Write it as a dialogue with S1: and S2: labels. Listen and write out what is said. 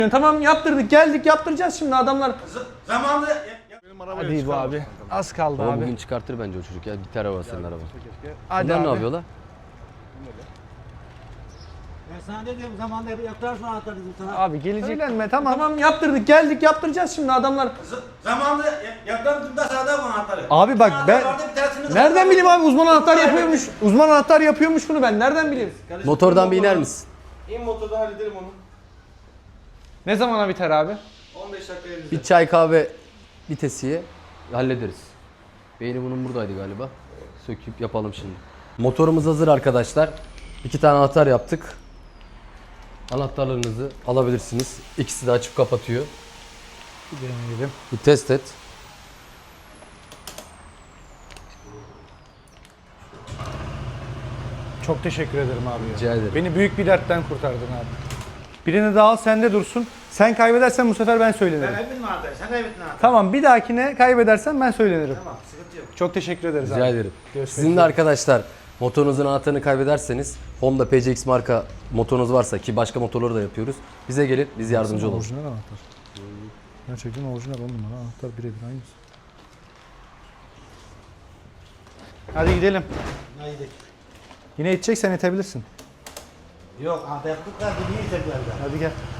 S1: Tamam yaptırdık, geldik, yaptıracağız şimdi adamlar.
S2: Zamanında...
S1: Hadi bu abi. Az kaldı
S3: Ama
S1: abi.
S3: bugün çıkartır bence o çocuk ya. Gitar araba senin araba.
S1: Hadi
S3: Bunlar
S1: abi.
S3: ne yapıyorlar?
S2: Ben sana dedim zamanında yaklarsın anahtarı dedim sana.
S1: Abi gelecek. Söylenme tamam. Tamam yaptırdık, geldik, yaptıracağız şimdi adamlar.
S2: Zamanında yaklardım da sağda bu anahtarı.
S1: Abi bak ben
S2: Nereden
S1: nereden bileyim abi uzman anahtar yapıyormuş. Uzman anahtar yapıyormuş bunu ben nereden bileyim?
S3: Motordan bir iner misin?
S2: İn motorda halledelim onu.
S1: Ne zamana biter abi?
S2: 15 dakika elimizde.
S3: Bir çay kahve vitesiye hallederiz. Beyni bunun buradaydı galiba. Söküp yapalım şimdi. Motorumuz hazır arkadaşlar. 2 tane anahtar yaptık. Anahtarlarınızı alabilirsiniz. İkisi de açıp kapatıyor.
S1: Bir deneyelim.
S3: Bir test et.
S1: Çok teşekkür ederim abi ya.
S3: Rica ederim.
S1: Beni büyük bir dertten kurtardın abi. Birini daha al sende dursun. Sen kaybedersen bu sefer ben söylenirim.
S2: Ben kaybettim anahtarı. Sen kaybettin anahtarı.
S1: Tamam bir dahakine kaybedersen ben söylenirim.
S2: Tamam sıkıntı yok.
S1: Çok teşekkür ederiz
S3: Rica
S1: abi.
S3: ederim.
S1: Görüşmek
S3: Sizin de
S1: üzere.
S3: arkadaşlar motorunuzun anahtarını kaybederseniz Honda PCX marka motorunuz varsa ki başka motorları da yapıyoruz. Bize gelin biz yardımcı oluruz.
S1: Orijinal anahtar. Gerçekten orijinal 10 numara anahtar birebir aynısı. Hadi gidelim.
S2: Haydi.
S1: Yine iteceksen itebilirsin.
S2: Yok anahtar yaptık da niye iteklerden?
S1: Hadi gel.